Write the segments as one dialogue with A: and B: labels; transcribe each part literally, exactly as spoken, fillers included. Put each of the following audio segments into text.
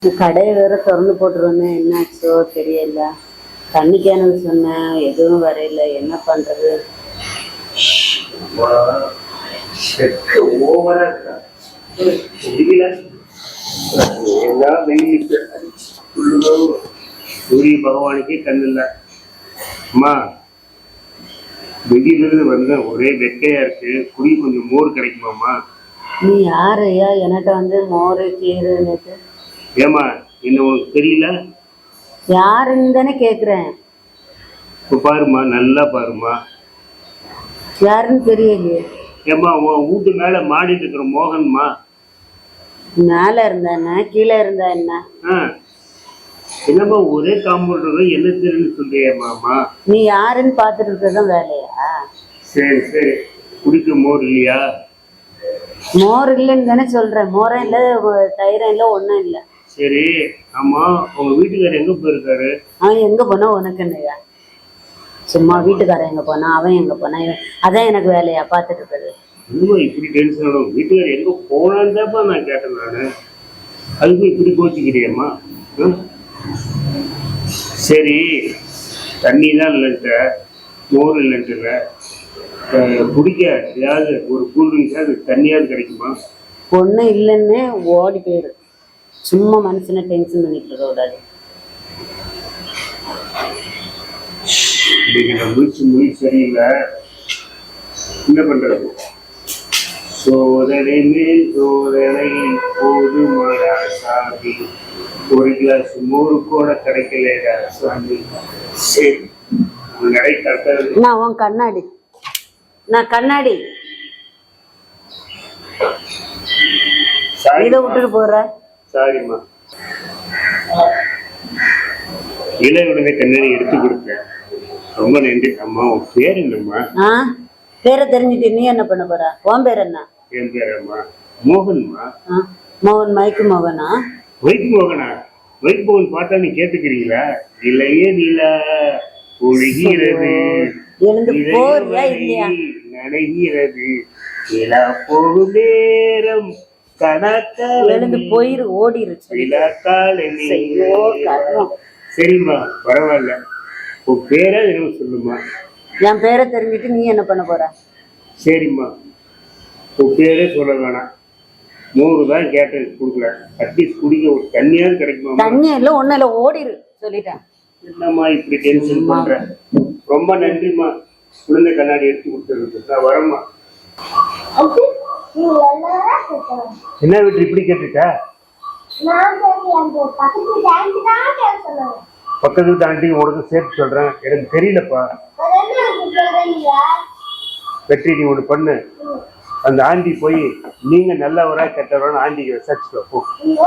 A: கடையை வேற திறந்து போட்டுருவேன், என்னாச்சோ தெரியல. தண்ணி கேனது சொன்னேன், எதுவும் வரையில, என்ன பண்றது?
B: சூரிய பகவானுக்கே கண்ணு இல்ல. அம்மா வெளியிலிருந்து வந்த ஒரே வெக்கையா இருக்கு, குடி கொஞ்சம் மோர் கிடைக்குமாம்மா?
A: நீ யாரு ஐயா என்கிட்ட வந்து மோரு கீரை?
B: ஏமா என்ன உனக்கு தெரியல?
A: யாருன்னு தானே கேக்குறேன்.
B: இப்ப பாருமா, நல்லா பாருமா.
A: யாருன்னு தெரியலையே.
B: ஏமா உன் வீட்டு மேல மாடிட்டு இருக்கிற மோகன்மா.
A: மேல இருந்தா என்ன, கீழே இருந்தா என்ன?
B: என்னம்மா ஒரே காம்பவுண்ட் என்ன தெரியுன்னு சொல்றியம்மாமா?
A: நீ யாருன்னு பாத்துட்டு இருக்கதான் வேலையா?
B: சரி சரி, குடிக்க மோர் இல்லையா?
A: மோர் இல்லைன்னு தானே சொல்றேன். மோரம் இல்ல, தயிரம் இல்ல, ஒண்ணும் இல்ல.
B: சரி, ஆமா உங்க வீட்டுக்காரர் எங்க போயிருக்காரு?
A: அவன் எங்க போனா உனக்கு என்னையா? சும்மா வீட்டுக்காரன் எங்க போனா, அவன் எங்க போனா, அதான் எனக்கு வேலையா பாத்துட்டு இருக்கிறது.
B: இன்னும் இப்படி டென்ஷன் ஆகும். வீட்டுக்காரர் எங்க போனான்னு தான்ப்பா நான் கேட்டேன் நானு. அதுக்கு இப்படி கோச்சிக்கிறியம்மா? சரி, தண்ணி தான் இல்லைன்ட்ட, மோர் இல்லைன்ட்டு, குடிக்க ஏதாவது ஒரு கூல்ட்ரிங்க்ஸாவது தண்ணியாவது கிடைக்குமா?
A: ஒன்றும் இல்லைன்னு ஓடி போயிரு. சும்மா மனுஷனை டென்ஷன் பண்ணிட்டு இருக்க கூடாது.
B: இன்னைக்கு நான் முடிச்சு மொழி சரியில்லை, என்ன பண்றது? சோதனை மேல் சோதனை போது மாடா சாமி, ஒரு கிளாஸ் மோரு கூட கிடைக்கலையா சாமி? சரி, நடை கட்டது.
A: நான் உன் கண்ணாடி, நான் கண்ணாடி இதை விட்டுட்டு போற.
B: சாரிம்மா, இளையுடனே கண்ணாடி எடுத்து கொடுத்தேன், ரொம்ப நன்றி. அம்மா உன் பேர் என்னம்மா?
A: ஆ, பேரை தெரிஞ்சுட்டு நீ என்ன பண்ண போற? உன் பேர் என்ன?
B: என் பேரம்மா மோகன்மா.
A: மோகன், மைக்கு மோகனா?
B: வைக் மோகனா? வைக் மோகன் பாட்டா நீ கேட்டுக்கிறீங்களா? இளைய நிலா ஒழுகிறது,
A: எழுந்து போறியா இல்லையா?
B: நடைகிறது, நிலா போகும் நேரம் கணக்கால்
A: எழுந்து போயிரு, ஓடிருச்சு.
B: சரிம்மா, பரவாயில்ல. உன் பேரை என்ன சொல்லுமா?
A: என் பேரை தெரிஞ்சுட்டு நீ என்ன பண்ண போற?
B: சரிம்மா, உன் பேரே சொல்ல வேணாம். நூறு தான் கேட்டேன், கொடுக்கல. அட்லீஸ்ட் குடிக்க ஒரு தண்ணியாவது கிடைக்குமா?
A: தண்ணி இல்லை, ஒன்னும் இல்லை, ஓடிரு சொல்லிட்டேன்.
B: என்னம்மா இப்படி டென்ஷன் பண்ற? ரொம்ப நன்றிம்மா, குழந்தை கண்ணாடி எடுத்து கொடுத்துருக்கு. நான் வரேம்மா. என்ன வீட்டு இப்படி கேட்டுட்டா? பக்கத்து வீட்டு ஆண்டி உனக்கு சேர்த்து சொல்றேன், எனக்கு தெரியலப்பா. வெற்றி, நீ ஒண்ணு பண்ணு, அந்த ஆண்டி போய் நீங்க நல்லவரா கெட்டவரான்னு ஆண்டிக்கு விசாரிச்சுக்கோ போ.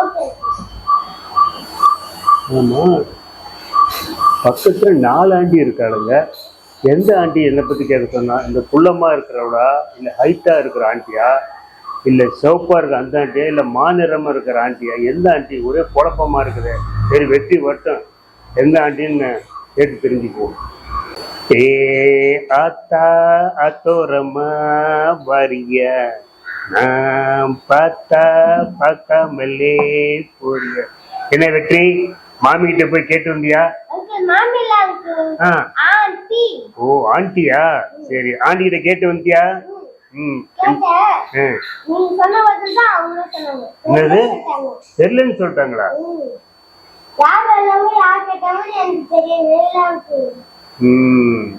B: ஆமா, பக்கத்துல நாலு ஆண்டி இருக்காளுங்க. எந்த ஆண்டி என்னை பத்தி கேட்க சொன்னா? இந்த குள்ளமா இருக்கிறவளா, இல்ல ஹைட்டா இருக்கிற ஆண்டியா, இல்ல சிவப்பா இருக்கிற அந்த ஆண்டியா, இல்ல மாநிறமா இருக்கிற ஆண்டியா? எந்த ஆண்டி? ஒரே குழப்பமா இருக்குது. சரி, வெற்றி வட்டம் எந்த ஆண்டின்னு கேட்டு தெரிஞ்சுக்குவோம். ஏ ஆத்தா அத்தோரமா வரிய, நான் பார்த்தா பார்க்காமலே போறிய. என்ன வெற்றி, மாமி கிட்ட போய் கேட்டு வந்தியா? ஓ, ஆண்டியா? சரி, ஆண்டி கிட்ட கேட்டு வந்தியா? ம், என்னது தெரியலன்னு சொல்லிட்டாங்களா? ம்,